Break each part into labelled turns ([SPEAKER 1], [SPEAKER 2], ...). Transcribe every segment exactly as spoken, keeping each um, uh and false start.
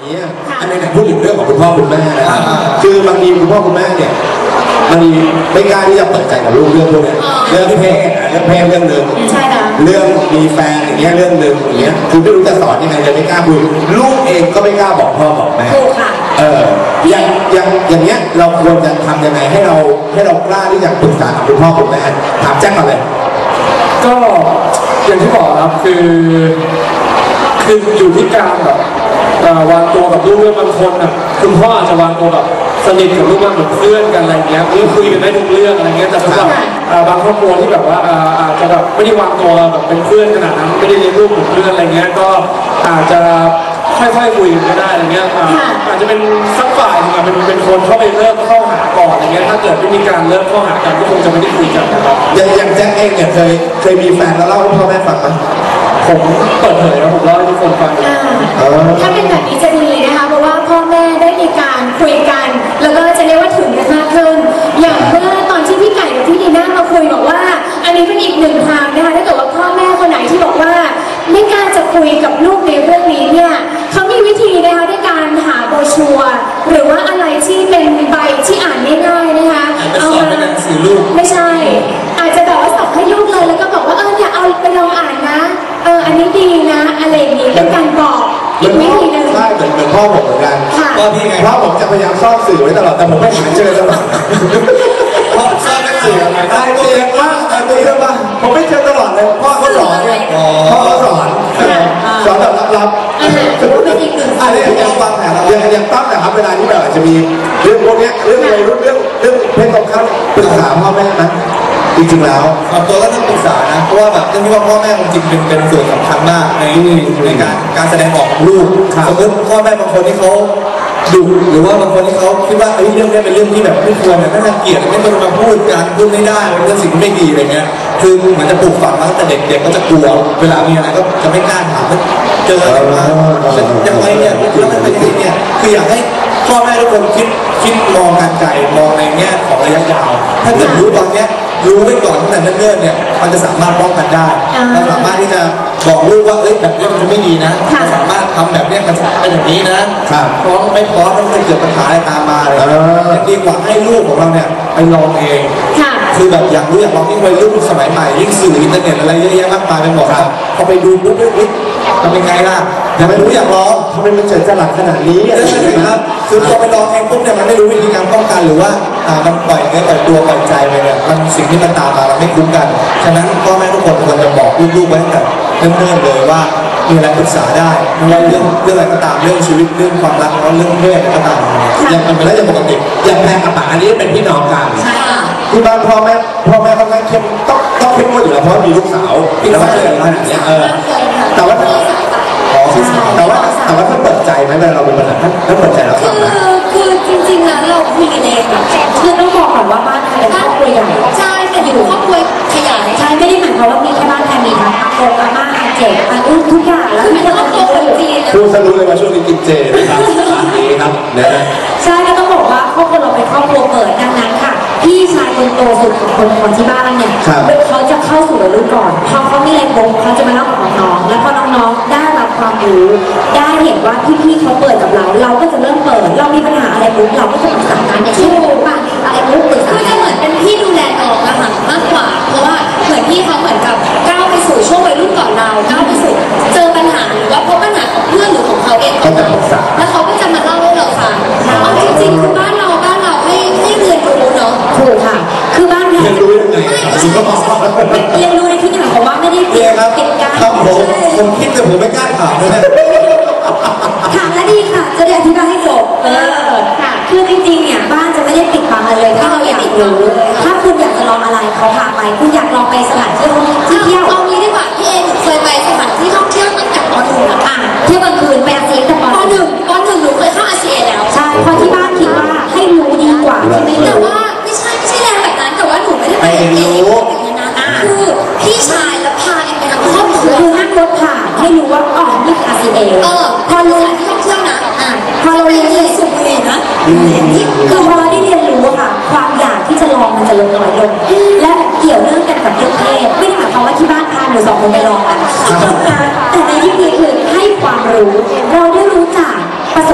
[SPEAKER 1] นี้อันนี้พูดถึงเรื่องของคุณพ่อคุณแม่นะครับคือบางทีคุณพ่อคุณแม่เนี่ยบางทีไม่กล้าที่จะเปิดใจกับลูกเรื่องพวกนี้เรื่องเพศเรื่องเพศเรื่องหนึ่งเรื่องมีแฟนอย่างเงี้ยเรื่องหนึ่งอย่างเงี้ยคือไม่รู้จะสอนยังไงเลยไม่กล้าคุยลูกเองก็ไม่กล้าบอกพ่อบอกแม่เอออย่างอย่างอย่างเงี้ยเราควรจะทำยังไงให้เราให้เรากล้าที่จะปรึกษากับคุณพ่อคุณแม่ถามแจ็คก่อนเลย
[SPEAKER 2] ก็อย่างที่บอกครับคือคืออยู่ที่การแบบวางตัวกับลูกเรื่องบางคนอ่ะคุณพ่ออาจจะวางตัวแบบสนิทกับลูกมากเหมือนเพื่อนกันอะไรเงี้ยหรือคุยกันได้ทุกเรื่องอะไรเงี้ยแต่สำหรับบางครอบครัวที่แบบว่าอาจจะแบบไม่ได้วางตัวแบบเป็นเพื่อนขนาดนั้นไม่ได้เลี้ยงลูกเหมือนเพื่อนอะไรเงี้ยก็อาจจะค่อยๆคุยกันก็ได้อะไรเงี้ยอาจจะเป็นสักฝ่ายนึงเป็นเป็นคนเข้าไปเริ่มเข้าหาก่อนอะไรเงี้ยถ้าเกิดไม่มีการเริ่มเข้าหากันก็คงจะไม่ได้คุยกันนะครับ
[SPEAKER 1] อย่างอย่างแจ็คเองเนี่ยเคยเคยมีแฟนแล้วเล่าให้พ่อแม่ฟังไหม
[SPEAKER 2] ผมเปิดเผยแล้วผมเล่าให้ทุกคนฟัง
[SPEAKER 3] ถ้าเป็นแบบนี้จะดีนะคะเพราะว่าพ่อแม่ได้มีการคุยกันแล้วก็จะเรียกว่าถึงกันมากขึ้นอย่างเมื่อตอนที่พี่ไก่กับพี่ดีน่ามาคุยบอกว่าอันนี้เป็นอีกหนึ่งทางนะคะถ้าเกิดว่าพ่อแม่คนไหนที่บอกว่าไม่กล้าจะคุยกับลูกในเรื่องนี้เนี่ยเขามีวิธีนะคะด้วยการหาโบรชัวร์หรือว่าอะไรที่เป็นใบที่อ่านง่ายๆนะคะ
[SPEAKER 1] เอามา
[SPEAKER 3] ไม่ใช่อาจจะแบบว่าส่งให้ลูกเลยแล้วก็บอกว่าเออเนี่ยเอาไปลองอ่านนะเอออันนี้ดีนะอะไรอย่างนี้เป็นการบอกอีกวิธีหนึ่ง
[SPEAKER 1] ใช่เหมือนเหมือนพ่อผมเหมือนกัน
[SPEAKER 3] ก็
[SPEAKER 1] พี่ไงพ่อผมจะพยายามซ่อนสื่อไว้ตลอดแต่ผมไม่หาเจอตลอดพ่อซ่อนหนังสืออะไรได้เรียนว่าอะไรเรื่องว่าผมไม่เจอตลอดเลยพ่อเขาสอนเนี่ยพ่อเขาสอนสอนแบบลับๆ
[SPEAKER 3] ถือว่าเป็นอีกหนึ่ง
[SPEAKER 1] อะไรอย่างเงี้ยวางแผนอย่างอย่างตั้งแต่ครับเวลาที่แบบจะมีเรื่องพวกนี้เรื่องอะไรเรื่องเรื่องเรื่องเพศตรงข้ามปรึกษาพ่อแม่นะจริงๆแล้ว
[SPEAKER 4] ตัวก็ต้องปรึกษานะเพราะว่าแบบเรื่องที่ว่าพ่อแม่จริงเป็นเป็นส่วนสำคัญมากในในการการแสดงออกของลูกสมมติพ่อแม่บางคนที่เขาดุหรือว่าบางคนที่เขาคิดว่าเรื่องนี้เป็นเรื่องที่แบบไม่ควรน่าเกลียดไม่ควรมาพูดการพูดไม่ได้เป็นเรื่องสิ่งไม่ดีอะไรเงี้ยคือเหมือนจะปลูกฝังมาตั้งแต่เด็กๆก็จะกลัวเวลามีอะไรก็จะไม่กล้าถามเจออะไรมายังไงเนี่ยแล้วมันเป็นยังไงเนี่ยคืออยากให้พ่อแม่ทุกคนคิดคิดมองการไกลมองในแง่ของระยะยาวถ้าเกิดรู้ตอนเนี้ยรู้ไว้ก่อนตั้งแต่เนิ่นๆเนี่ยมันจะสามารถป้องกันได้เราสามารถที่จะบอกลูกว่าเอ้ยแบบนี้มันจะไม่ดีนะเราสามารถทำแบบนี้มันจะเป็นอย่างนี้นะพร้อมไม่พร้อมมันจะเกิดปัญหาอะไรตามมาเลยดีกว่าให้ลูกของเราเนี่ยไปลองเองคือแบบอยากรู้อยากลองที่วัยรุ่นสมัยใหม่ยิ่งสื่ออินเทอร์เน็ตอะไรเยอะแยะมากมายไปหมดพอไปดูปุ๊บเฮ้ยทำยังไงล่ะอยากไม่รู้อยากลอง
[SPEAKER 1] ทำไมมันเฉยจะหลักขนาดนี้
[SPEAKER 4] ใช่ไหมครับคือพอไปลองเองปุ๊บเนี่ยมันไม่รู้วิธีการป้องกันหรือว่ามันปล่อยเนื้อปล่อยตัวปล่อยใจไปเนี่ยมันสิ่งที่มันตามมาเราไม่คุ้มกันฉะนั้นพ่อแม่ทุกคนควรจะบอกลูกๆไว้ตั้งแต่เริ่มๆเลยว่ามีอะไรปรึกษาได้ไม่ว่าเรื่องเรื่องอะไรก็ตามเรื่องชีวิตเรื่องความรักเรื่องเพศก็ตาม
[SPEAKER 1] อย่างมันเป็นเรื่องปกติอย่างแพงกับป๋าอันนี้เป็นพี่น้องกันที่บ้านพ่อแม่พ่อแม่ค่อนข้างเข้มต้องต้องเข้มงวดอยู่แล้วเพราะมีลูกสาวพี่น้องเลยอะไรอย่างเงี้ยเออแต่ว่าแต่ว่าแต่ว่าถ้าเปิดใจไหมเวลาเราเป็นปัญหาถ้าเปิดใจแล้ว
[SPEAKER 3] คือคือจริงๆแล้วเราคุยกันเองคือต้องบอกก่อนว่าบ้านไทยครอบครัวใหญ่ใช่แต่อยู่ครอบครัวขยายใช่ไม่ได้หมายความว่ามีแค่บ้านไทยมีทั้งอาโกอาม่าอาเจอาอุ้ทุกอย่างแล้วมีทั้งครอบครัวคนจีน
[SPEAKER 1] พูดสรุปเลยว่าช่วงนี้กินเจนะครับนี่ครับนะ
[SPEAKER 3] ใช่ก็ต้องบอกว่าครอบครัวเราเป็นครอบครัวเปิดดังนั้นค่ะพี่ชายคนโตสุดของคนคนที่บ้านเนี่ยเขาจะเข้าสู่วัยรุ่นก่อนพอเขามีอะไรปุ๊บเขาจะมาเล่ากับน้องๆแล้วพอน้องๆได้รับความรู้ได้เห็นว่าพี่ๆเขาเปิดกับเราเราก็จะเริ่มเปิดเรามีปัญหาอะไรปุ๊บเราก็จะปรึกษากันอย่างเช่นว่าอะไรปุ๊บปรึกษาก็จะเหมือนเป็นพี่ดูแลน้องอะค่ะมากกว่าเพราะว่าเหมือนพี่เขาเหมือนกับก้าวไปสู่ช่วงวัยรุ่นก่อนเราก้าวไปสู่เจอปัญหาหรือว่าพบปัญหาของเพื่อนหรือของเขาเองก่อนแล้วเขาก็จะมาเล่าให้เราฟังเอาจริงๆคือบ้านเราบ้านเราให้ให้เรียนรู้เนาะถูกค่ะคือบ้านเรา
[SPEAKER 1] เรียนรู้ยังไง
[SPEAKER 3] เรียนรู้ในที่ไหนเพราะว่าไม่ได้
[SPEAKER 4] ปิดปิดการครับผมผมคิดแต่ผมไม่กล้าถามเลยนะ
[SPEAKER 3] ถามแล้วดีค่ะจะได้อธิบายให้จบเออค่ะคือจริงๆเนี่ยบ้านจะไม่ได้ปิดบังอะไรเลยถ้าเราอยากรู้ถ้าคุณอยากจะลองอะไรเขาพาไปคุณอยากลองไปสถานที่ที่เที่ยวเอางี้ดีกว่าพี่เองเคยไปสถานที่ท่องเที่ยวตั้งแต่ป.หนึ่งอ่ะเที่ยวกลางคืนไปอาเซียนแต่ป.หนึ่งป.หนึ่งหนูเคยเข้าอาเซียนแล้วใช่เพราะที่บ้านคิดว่าให้รู้ดีกว่าที่ไม่แต่ว่าไม่ใช่ไม่ใช่แรงแบบนั้นแต่ว่าหนูไม่ได้ไปเองอย่างนั้นนะคือพี่ชายและพาเองไปทั้งครอบครัวคือนั่งรถผ่านให้รู้ว่าอ๋อนี่คืออาเซียนเออพอรู้ที่ท่องเที่ยวนะอ่าพอเราเรียนเลยสุดเลยนะคือพอได้เรียนรู้ค่ะความอยากที่จะลองมันจะลดน้อยลงและเกี่ยวเนื่องกันกับเรื่องเพศไม่ได้หมายความว่าที่บ้านพาหนูสองคนไปลองกันแต่ในที่นี้คือให้ความรู้เราได้รู้จักประสบ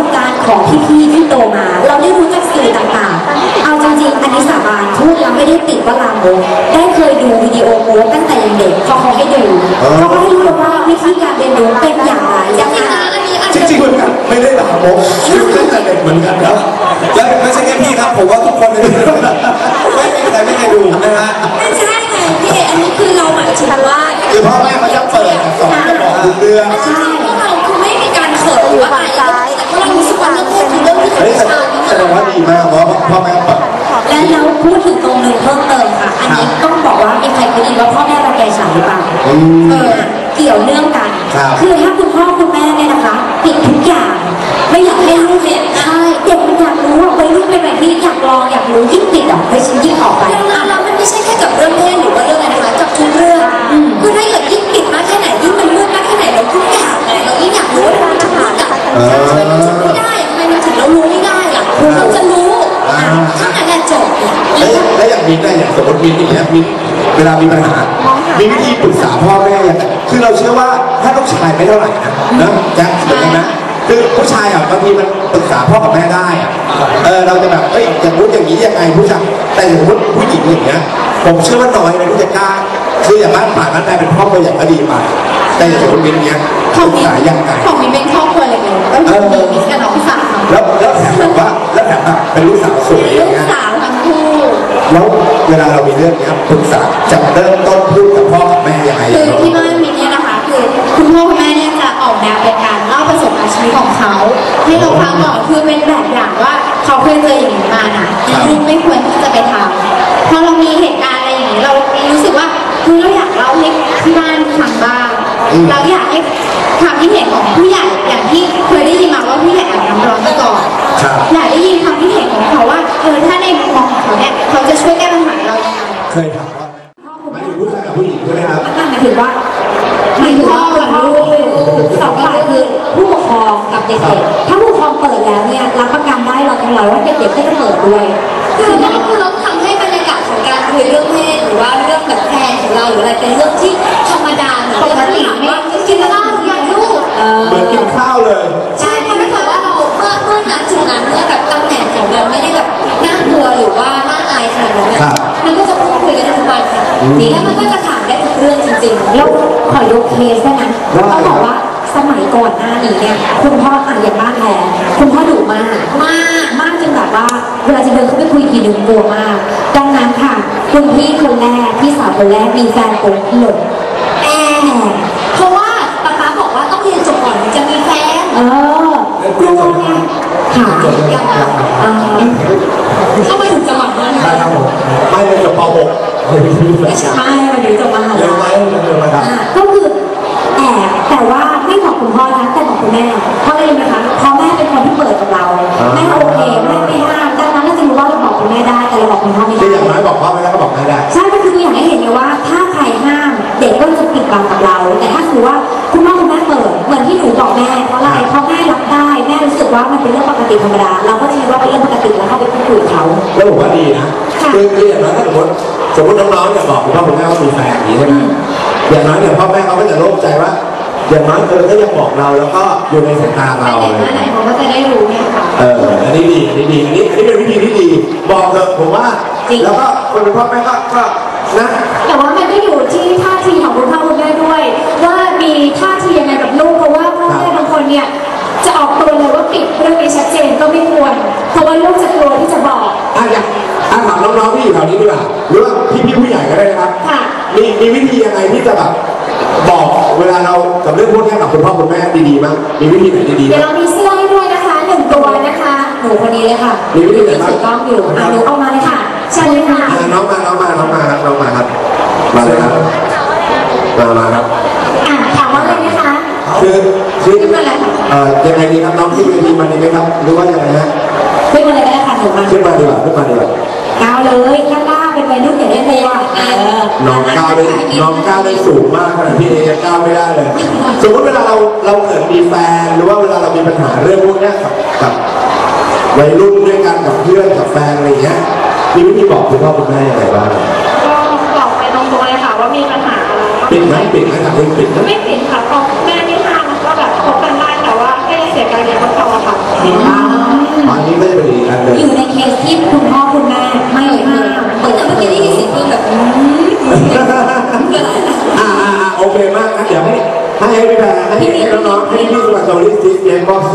[SPEAKER 3] ของพี่ๆที่โตมา เราได้รู้จักสื่อต่างๆเอาจริงๆอันนี้สาบานพูดแล้วไม่ได้ติดว่าลามกได้เคยดูวิดีโอโป๊ตั้งแต่ยังเด็กพอเขาให้ดูเขาก็ให้รู้ว่าวิธีการเรียนรู้เป็นอย่างไรยังไงอันนี้อัน
[SPEAKER 1] จริงๆเหมือนกันไม่ได้หลามกคือตั้งแต่เด็กเหมือนกันครับ
[SPEAKER 4] และไม่ใช่แค่พี่ครับผมว่าทุกคนในนี้ไม่มีใครไม่เคยดูนะฮะ
[SPEAKER 3] ไม่ใช่ไงพี่เออันนี้คือเราหมายถึงว่า
[SPEAKER 1] คือพ่อแม่เขาจะเปิดสอนจะบอกทุกเรื่อง
[SPEAKER 3] ใช่พวกเราคือไม่มีการเขินหรือว่าอะไรแต่พวกเรารู้สึกว่าเรื่องเพศคือเรื่องที่
[SPEAKER 1] เฮ้ย
[SPEAKER 3] ธรรม
[SPEAKER 1] แส
[SPEAKER 3] ชาติ
[SPEAKER 1] ดงว่าดีมากเพราะพ่อแม่เปิด
[SPEAKER 3] และเราพูดถึงตรงนึงเพิ่มเติมค่ะ อันนี้ต้องบอกว่ามีใครเคยได้ยินว่าพ่อแม่รังแกฉันหรือเปล่าเออเกี่ยวเนื่องกันคือถ้าคุณพ่อคุณแม่เนี่ยนะคะปิดทุกอย่างไม่อยากให้ลูกเห็นใช่เด็กมันอยากรู้ว่าวัยรุ่นเป็นแบบนี้อยากลองอยากรู้ยิ่งติดอ่ะไปชิ้นยิ่งออกไปแล้วมันไม่ใช่แค่กับเรื่องเพศหรือว่าเรื่องอะไรนะคะกับทุกเรื่องคือถ้าเกิดยิ่งปิดมากแค่ไหนยิ่งมันมืดมากแค่ไหนเราทุกอย่างไงเรายิ่งอยากรู้ว่าทำไมมันถึงมืดอ่ะทำไมมันถึงไม่ได้ทำไมมันถึงเรารู้ไม่ได้ล่ะเราจะรู้ถ้างั้นจบ
[SPEAKER 1] แล้วแล้วอย่างมิ้นท์เนี่ยอย่างสมมติมิ้นท์อย่างเงี้ยมิ้นท์เวลามีปัญหา มีวิธีปรึกษาพ่อแม่ยังไงคือเราเชื่อว่าถ้าลูกชายไม่เท่าไหร่นะนะแจ็คเหมือนกันนะคือผู้ชายอ่ะบางทีมันปรึกษาพ่อกับแม่ได้อ่ะเออเราจะแบบเอ้ยอย่างนู้นอย่างนี้ยังไงผู้ชายแต่สมมติผู้หญิงอย่างเงี้ยผมเชื่อว่าน้อยนะที่จะกล้าคืออย่างบ้านป่าบ้านแม่เป็นพ่อตัวอย่างก็ดีไปแต่อย่างสมมติมิ้นท์เนี้ยปรึกษายังไง
[SPEAKER 3] ของมีเป็นครอบครัวเล็กๆก็คือมีกับน้องสาว
[SPEAKER 1] แล้วแล้วแถมแบบว่าแล้วแถมแบบเป็นลูกสาวสวยอ
[SPEAKER 3] ลู
[SPEAKER 1] ย่าง
[SPEAKER 3] ก
[SPEAKER 1] เงี้ย
[SPEAKER 3] สาวทั้งคู่
[SPEAKER 1] แล้วเวลาเรามีเรื่องเนี้ยปรึกษาจะเริ่มต้นพูดกับพ่อกับแม่ยังไง
[SPEAKER 3] คือที่บ้านมีเนี่ยนะคะคือคุณพ่อคุณแม่เนี่ยจะออกแนวเป็นการเล่าประสบการณ์ชีวิตของเขาให้เราฟังก่อนคือเป็นแบบอย่างว่าเขาเคยเจออย่างนี้มานะลูกไม่ควรที่จะไปทำพอเรามีเหตุการณ์อะไรอย่างนี้เรารู้สึกว่าคือเราอยากเล่าให้ที่บ้านฟังบ้างเราอยากให้ความคิดเห็นของผู้ใหญ่อย่างที่เคยได้ยินมาว่าผู้ใหญ่อาบน้ำร้อนมาก่อนอยากได้ยินความคิดเห็นของเขาว่าเออถ้าในมุมมองของเขาเนี่ยเขาจะช่วยแก้ปัญหาเรายังไง
[SPEAKER 1] เคยถามว่าไม่ถึงผู้ชายกับผู้หญิงใช่ไหมครับ
[SPEAKER 3] หมายถึงว่าหมายถึงพ่อกับลูกสองฝ่ายคือผู้ปกครองกับเด็กๆถ้าผู้ปกครองเปิดแล้วเนี่ยรับประกันได้เราทั้งร้อยว่าเด็กๆก็จะเปิดด้วยคือนั่นคือเราทำให้บรรยากาศของการคุยเรื่องเพศหรือว่าเรื่องแบบแฟนของเราหรืออะไรเป็นเรื่องที่ธรรมดาเหมือนปกติไม่กินข้าวอย่างลูก
[SPEAKER 1] เหมือนกินข้าวเลย
[SPEAKER 3] ใช่เพราะถ้าเกิดว่าเราเมื่อเมื่อนั้นจุดนั้นเมื่อแบบตำแหน่งของเราไม่ได้แบบน่ากลัวหรือว่าน่าอายขนาดนั้นเนี่ยมันก็จะพูดคุยกันทุกวันค่ะแล้วมันก็จะถามได้ทุกเรื่องจริงๆแล้วขอยกเคสได้ไหมต้องบอกว่าสมัยก่อนหน้านี้เนี่ยคุณพ่ออ่านอย่างบ้านแทนคุณพ่อดุมากมากมากจนแบบว่าเวลาจะเดินเข้าไปคุยทีนึงกลัวมากดังนั้นค่ะคุณพี่คนแรกพี่สาวคนแรกมีแฟนปุ๊บหลงแอบเพราะว่าป๊าป๊าบอกว่าต้องเรียนจบก่อนถึงจะมีแฟนเออกลัวไงค่ะยังไงเข้ามาถึงจังหวัดนั้น
[SPEAKER 1] ใช่ครับผมไม่เลยจบป .หก
[SPEAKER 3] ไม่ใช่วันนี้จบมหา
[SPEAKER 1] เร็วไหม
[SPEAKER 3] ลัย
[SPEAKER 1] เร็วไหมครับ
[SPEAKER 3] ก็คือแอบแต่ว่าไม่บอกคุณพ่อนะแต่บอกคุณแม่เพราะอะไรรู้ไหมคะเพราะแม่เป็นคนที่เปิดกับเราแม่โอเคแม่ไม่ห้ามดังนั้นเราจะรู้ว่าเราบอกคุณแม่ได้แต่เราบอกคุณพ่อไม่ได้
[SPEAKER 1] คืออย่างน้อยบอกพ่อไม่ได้ก็บอกแม่ได้
[SPEAKER 3] ใช่ก็คืออยากให้เห็นไงว่าถ้าใครห้ามเด็กก็จะปิดบังกับเรา แต่ถ้าคือว่าคุณพ่อคุณแม่เปิดเหมือนที่หนูบอกแม่เพราะอะไรเพราะแม่รับได้แม่รู้สึกว่ามันเป็นเรื่องปกติธรรมดาเราก็คิดว่าเป็นเรื่องปกติแล้วเข้าไปพูดคุยกับเขา
[SPEAKER 1] แล้วผมว่าดีนะคือคืออย่างน้อยถ้าสมมติสมมติน้องๆเนี่ยบอกคุณพ่อคุณแม่ว่ามีแฟนอย่างนี้ใช่ไหมอย่างน้อยเนี่ยพ่อแม่เขาก็จะโล่งใจว่าอย่างน้อยเธอก็ยังบอกเราแล้วก็อยู่ในสายตาเรา
[SPEAKER 3] เด็ก
[SPEAKER 1] เลย
[SPEAKER 3] เมื่อไหร่เขาก็จะได้รู้เนี่ยค่ะ
[SPEAKER 1] เอออันนี้ดีอันนี้ดีอันนี้อันนี้เป็นวิธีที่ดีบอกเถอะผมว่าแล้วก็คนเป็นพ่อแม่ก็ก็นะ
[SPEAKER 3] แต่ว่ามันก็อยู่ที่ท่าทีของคุณพ่อคุณแม่ด้วย ว่ามีท่าทียังไงกับลูกเพราะว่าพ่อแม่บางคนเนี่ยจะออกตัวเลยว่าปิดเรื่องนี้ชัดเจนก็ไม่ควรเพราะว่าลูกจะกลัวที่จะบอก
[SPEAKER 1] อ่ะอยากอ่ะถามน้องๆที่อยู่แถวนี้ดีกว่าหรือว่าพี่ๆผู้ใหญ่ก็ได้นะครับ
[SPEAKER 3] ค่ะ
[SPEAKER 1] มีมีวิธียังไงที่จะแบบบอกเวลาเรากับเรื่องพวกนี้กับคุณพ่อคุณแม่ดีๆมั้งมีวิธีไหนดีๆ
[SPEAKER 3] เดี๋ยว
[SPEAKER 1] มั้
[SPEAKER 3] เรา
[SPEAKER 1] ง
[SPEAKER 3] มีเสื้อให้ด้วยนะคะหนึ่งตัวนะคะหนูคนนี้เลยค่ะ
[SPEAKER 1] มีวิธีไหนบ้าง
[SPEAKER 3] ถือกล้องอยู่อ่ะหนูเอามาเลยค่ะเชิญเลยค่ะ
[SPEAKER 1] อ่ะน้องมาน้องมาน้องมาครับน้องมาครับมาเลยครับมามาครับ
[SPEAKER 3] อ่ะถามว่าอะไรนะคะ
[SPEAKER 1] คือคือ
[SPEAKER 3] ขึ้นมาเลยค่ะ
[SPEAKER 1] เอ่อยังไงดีครับน้องขึ้นเวทีมาดีไหมครับหรือว่ายังไงฮะ
[SPEAKER 3] ขึ้นมาเลยก็ได้ค่ะหนูมา
[SPEAKER 1] ขึ้นมาดีกว่าขึ้นมาดีกว่า
[SPEAKER 3] ก้าวเลยข้างล่างเป็นวัยรุ่นอย่าได้เลยอ่ะเออ
[SPEAKER 1] น้องก้าวได้น้องก้าวได้สูงมากขนาดพี่เอยังก้าวไม่ได้เลย สมมติเวลาเราเราเกิดมีแฟนหรือว่าเวลาเรามีปัญหาเรื่องพวกเนี้ยกับกับวัยรุ่นด้วยกันกับเพื่อนกับแฟนอะไรอย่างเงี้ยมีวิธีบอกคุณพ่อคุณแม่ยังไงบ้าง
[SPEAKER 5] ก็บอกไปตรงๆเลยค่ะว่ามีปัญหาอะไรก็
[SPEAKER 1] ปิดไหมปิดไหมครับปิดไหม
[SPEAKER 5] ไม่ปิดค่ะเพราะแม่ไม่ห้ามมันก็แบบคบกันได้แต่ว่าแค่เสียการเรียนก็พอค่ะ
[SPEAKER 3] เห็นป่ะ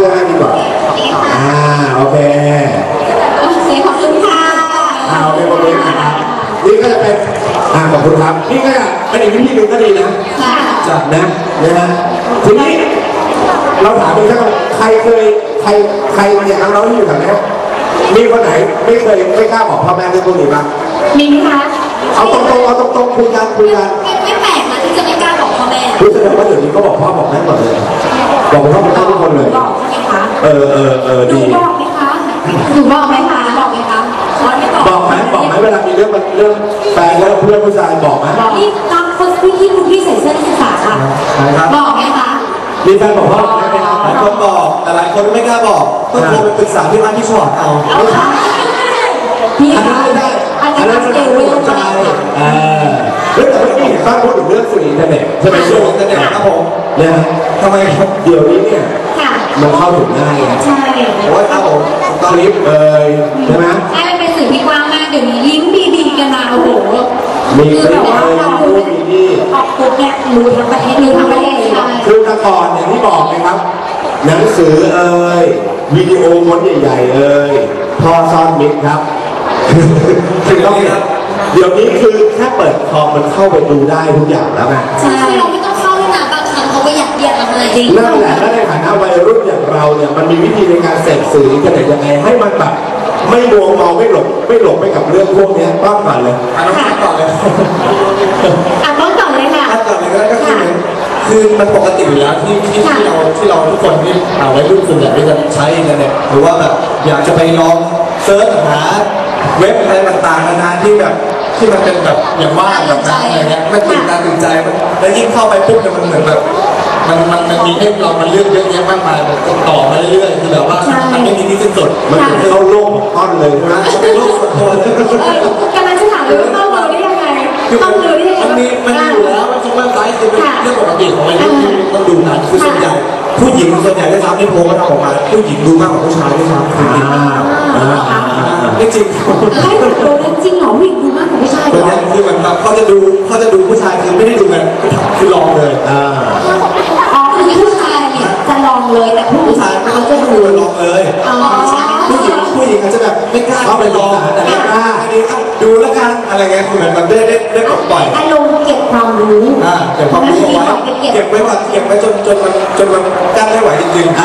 [SPEAKER 1] สื้อให้ดีกว่าอ่าโอเค
[SPEAKER 3] โอเคขอบคุณค่ะ
[SPEAKER 1] อ่าโอเคขอบคุณนะครับนี่ก็จะเป็นอ่าขอบคุณครับนี่ก็จะเป็นอีกวิธีหนึ่งก็ดีนะ
[SPEAKER 3] ค่ะ
[SPEAKER 1] จัดนะนะฮะทีนี้เราถามอีกครั้งใครเคยใครใครเนี่ยน้องๆที่อยู่แถวนี้มีคนไหนไม่เคยไม่กล้าบอกพ่อแม่เรื่องพวกนี้บ้าง
[SPEAKER 3] มีไหมคะ
[SPEAKER 1] เอาตรงๆเอาตรงๆคุยกันคุยกัน
[SPEAKER 3] ไม่แปลกนะที่จะไม่กล้าบอกพ่อแม่
[SPEAKER 1] รู้สึกว่าเดี๋ยวนี้ก็บอกพ่อบอกแม่หมดเลยบอกพ่อบอกแม่ทุกคนเลย
[SPEAKER 3] บอกใช่ไหมคะ
[SPEAKER 1] เออเออเออ
[SPEAKER 3] หนู
[SPEAKER 1] ดี
[SPEAKER 3] บอกไหมคะหนูบอกไหมคะบอกไหมคะบอกไม่บอก
[SPEAKER 1] บอกไหมบอกไหมเวลามีเรื่องเรื่องแฟนแล้วเพื่อนผู้ชายบอกไหม
[SPEAKER 3] บอกนี่ตามคนพี่ที่คุณพี่ใส่เสื้อนักศึกษาค่ะ
[SPEAKER 4] ครับ
[SPEAKER 3] บอกไหมคะ
[SPEAKER 1] มีแฟนบอกพ่อบอกแม่ไหมครับ
[SPEAKER 4] หลายคนบอกแต่หลายคนไม่กล้าบอกต้องโทรไปปรึกษาที่บ้านที่ชอดเอา
[SPEAKER 3] พี่
[SPEAKER 1] อันนั้นไม่ได้อันนั้นมันต้องรู้ใจอ่าเรื่องแต่เมื่อกี้เห็นป้าพูดถึงเรื่องสื่ออินเทอร์เน็ตใช่ไหม
[SPEAKER 4] สื่
[SPEAKER 1] สื่
[SPEAKER 4] อ
[SPEAKER 1] อ
[SPEAKER 4] อินเทอร์เน็ตครับผม
[SPEAKER 1] เนี่ย
[SPEAKER 4] ทำไมครับ
[SPEAKER 1] เดี๋ยวนี้เนี่ย
[SPEAKER 3] ค่ะ
[SPEAKER 1] มันเข้าถึงง่ายไง
[SPEAKER 3] ใช่
[SPEAKER 4] โอ้ยครับผม
[SPEAKER 1] คลิปเอ่ยใช่ไหม
[SPEAKER 3] ใช่มันเป็นสื่อที่กว้างมากเดี๋ยวนี้ลิงก์ดีๆกันมาโอ้โห
[SPEAKER 1] มีค
[SPEAKER 3] คือ
[SPEAKER 1] ลิ
[SPEAKER 3] แบ
[SPEAKER 1] ป
[SPEAKER 3] บว่า
[SPEAKER 1] เอ่ย
[SPEAKER 3] เรา
[SPEAKER 1] มีรูปมีนี่
[SPEAKER 3] ออกปุ๊บเนี่ยรู้ทั้งประเทศรู้ทั้งประเทศใช่
[SPEAKER 1] คือแต่ก่อนอย่างที่บอกนะครับ หนังสือเอ่ยวิดีโอม้วนใหญ่ๆเอ่ยพ่อซ่อนมิตรครับถึงต้องครับเดี๋ยวนี้คือแค่เปิดคอมมันเข้าไปดูได้ทุกอย่างแล้วไง
[SPEAKER 3] ใช่เราไม่ต้องเข้าด้วยนะบางครั้งเขาก็อยากเรียกเราเลยจริง
[SPEAKER 1] นั่นแหละและในฐานะวัยรุ่นอย่างเราเนี่ยมันมีวิธีในการเสพสื่ออินเทอร์เน็ตยังไงให้มันแบบไม่มัวเมาไม่หลงไม่หลงไปกับเรื่องพวกนี้บ้างก่อนเลย
[SPEAKER 4] อันนั้นก่อนเลย
[SPEAKER 3] อ่ะต้นก่อนเลยค่ะ
[SPEAKER 4] อันก่อนเลยก็คือคือมันปกติอยู่แล้วที่ที่ที่เราที่เราทุกคนที่เอาไว้รุ่นส่วนใหญ่ที่จะใช้อินเทอร์เน็ตหรือว่าแบบอยากจะไปลองเซิร์ชหาเว็บอะไรต่างๆนานาที่แบบที่มันเป็นแบบอย่างว่าแบบนั้นอะไรเงี้ยมันตื่นตาตื่นใจมันแล้วยิ่งเข้าไปปุ๊บเนี่ยมันเหมือนแบบมันมันมันมีให้เรามันเลือกเยอะแยะมากมายมันต่อมาเรื่อยๆคือแบบว่ามันไม่มีที่สิ้นสุด
[SPEAKER 1] มันถึงเข้าโลกของต้นเลยใช่ไหม
[SPEAKER 4] มันเป็นโลกส่วนตัวเลย
[SPEAKER 3] เออกำลังจะถามเลยว่าเข้าเลยได้ยังไง
[SPEAKER 4] คือ
[SPEAKER 3] เข้าเลยได้ยังไง
[SPEAKER 4] มันมีมันมีอยู่แล้วมันคือเว็บไซต์คือเป็นเรื่องปกติของวัยรุ่นที่ต้องดูกันคือส่วนใหญ่ผู้หญิงส่วนใหญ่ได้รับในโพลก็ทำออกมาผู้หญิงดูมากกว่าผู้ชายด้วยซ้ำคือจริง
[SPEAKER 1] อ่าอ่าอ่าอ่า
[SPEAKER 4] ไม่จริง
[SPEAKER 3] ให้ดูจริงเหรอผู้หญิงดูมากกว่าผู้ชายเหร
[SPEAKER 4] ส่วน
[SPEAKER 3] อ
[SPEAKER 4] ใหญ่คือเหมือนแบบเขาจะดูเขาจะดูผู้ชายคือไม่ได้ดูกันคือลองเลย
[SPEAKER 1] อ่า
[SPEAKER 3] อ๋อคือผู้ชายเนี่ยจะลองเลยแต่ผู้
[SPEAKER 4] ผู้
[SPEAKER 3] หญิ
[SPEAKER 4] ชาย
[SPEAKER 3] ง
[SPEAKER 4] เขา
[SPEAKER 3] เขา
[SPEAKER 4] จะ
[SPEAKER 3] จะ
[SPEAKER 4] ดู
[SPEAKER 3] ดู
[SPEAKER 4] ลองเลย
[SPEAKER 3] อ๋อ
[SPEAKER 4] ผู้หญิงผู้หญิงอาจจะแบบไม่กล้าเข้าไปลองแต่ไม่กล้าอันนี้ดูแล้วกันอะไรเงี้ยคือเหมือนแบบได้ได้ได้ปลดปล่อย
[SPEAKER 3] อารมณ์เก็บความรู้
[SPEAKER 4] อ่าเก็บความรู้เอาไว้เก็บไว้ก่อนเก็บไว้จนจนมันจนมันกั้นไม่ไหวจริงๆ
[SPEAKER 1] อ่า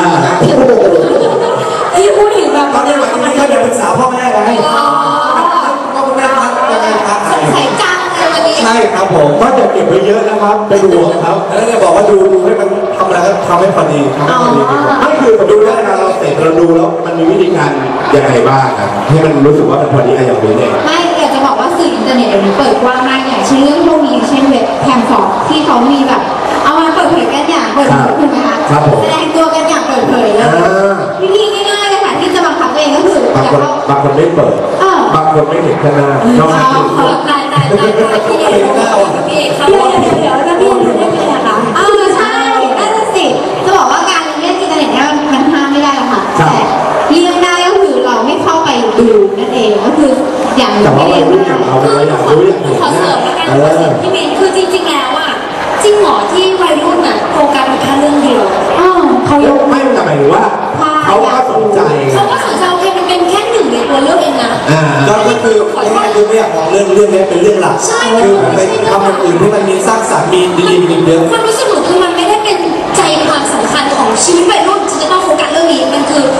[SPEAKER 3] ที่พูดถึงแบบ
[SPEAKER 4] ตอนนี้วันนี้ก็เดี๋ยวปรึกษาพ่อแม่ไงพ่อแม่พักยังไงพัก
[SPEAKER 3] สงสัยจังเลยวันนี้
[SPEAKER 4] ใช่ครับผม
[SPEAKER 1] ก็จะเก็บไว้เยอะนะครับเป็นห่วงครับ
[SPEAKER 4] แล้วเนี่ยบอกว่าดูดูให้มันทำอะไรก็ทำให้พอดีทำให้พอดีดีกว่า
[SPEAKER 1] ไม่คือดูแล้วเวลาเราเสร็จเราดูแล้วมันมีวิธีการยังไงบ้างครับให้มันรู้สึกว่ามันพอดีอะอย่างนี้เนี่ย
[SPEAKER 3] ไม่อยากจะบอกว่าสื่ออินเทอร์เน็ตเดี๋ยวนี้เปิดกว้างมากอย่างเช่นเรื่องพวกนี้เช่นเว็บแพลตฟอร์มที่เขามีแบบ เอามาเปิดเผยกันอย่างเปิดเผยถูกไหมคะแสดงตัวกันอย่างเปิดเผยเลยวิธีง่ายๆเลยค่ะที่จะบังคับตัวเองก็คือบ
[SPEAKER 1] างคนบางคนไม่เปิดบางคนไม่เห็นข้างหน้าชอบนั่งดู
[SPEAKER 3] ตายตายตายตายพี่เอกพี่เอกเขาเดี๋ยวเดี๋ยวเดี๋ยวแล้วพี่เอกได้ไงอะคะอ้าวใช่นั่นสิจะบอกว่าการเล่นอินเทอร์เน็ตเนี่ยมันห้ามไม่ได้หรอกค่ะแต่เลี่ยงได้ก็คือเราไม่เข้าไปดูนั่นเองก็คืออย่าง
[SPEAKER 1] แต่ว่าเรารู้อย่างเราเราอยากรู้อย่างเห็น
[SPEAKER 3] ขอ
[SPEAKER 1] นะ
[SPEAKER 3] เสริมแล้วกัน
[SPEAKER 1] เอ
[SPEAKER 3] ขอเสริ
[SPEAKER 1] อ
[SPEAKER 3] มพี่เมย์คือจริงๆแล้วอ่ะจริงเหรอที่วัยรุ่นอ่ะโฟกัสอยู่แค่เรื่องเดียวอ๋อเขายก
[SPEAKER 1] ไม่แต่หมายถึงว่าเขาก็สนใจไง
[SPEAKER 3] เขาก็สนใจแค่มันเป็นแค่หนึ่งในตัวเลือกเองนะ
[SPEAKER 1] อ่า
[SPEAKER 4] ก็คือง่ายๆคือไม่อยากมองเรื่องเรื่องนี้เป็นเรื่องหลักคือไปทำอย่างอื่นที่มันมีสร้างสรรค์มีดีๆมีเยอะ
[SPEAKER 3] ความรู้สึกหนูคือมันไม่ได้เป็นใจความสำคัญของชีวิตวัยรุ่นที่จะต้องโฟกัสเรื่องนี้มันคือ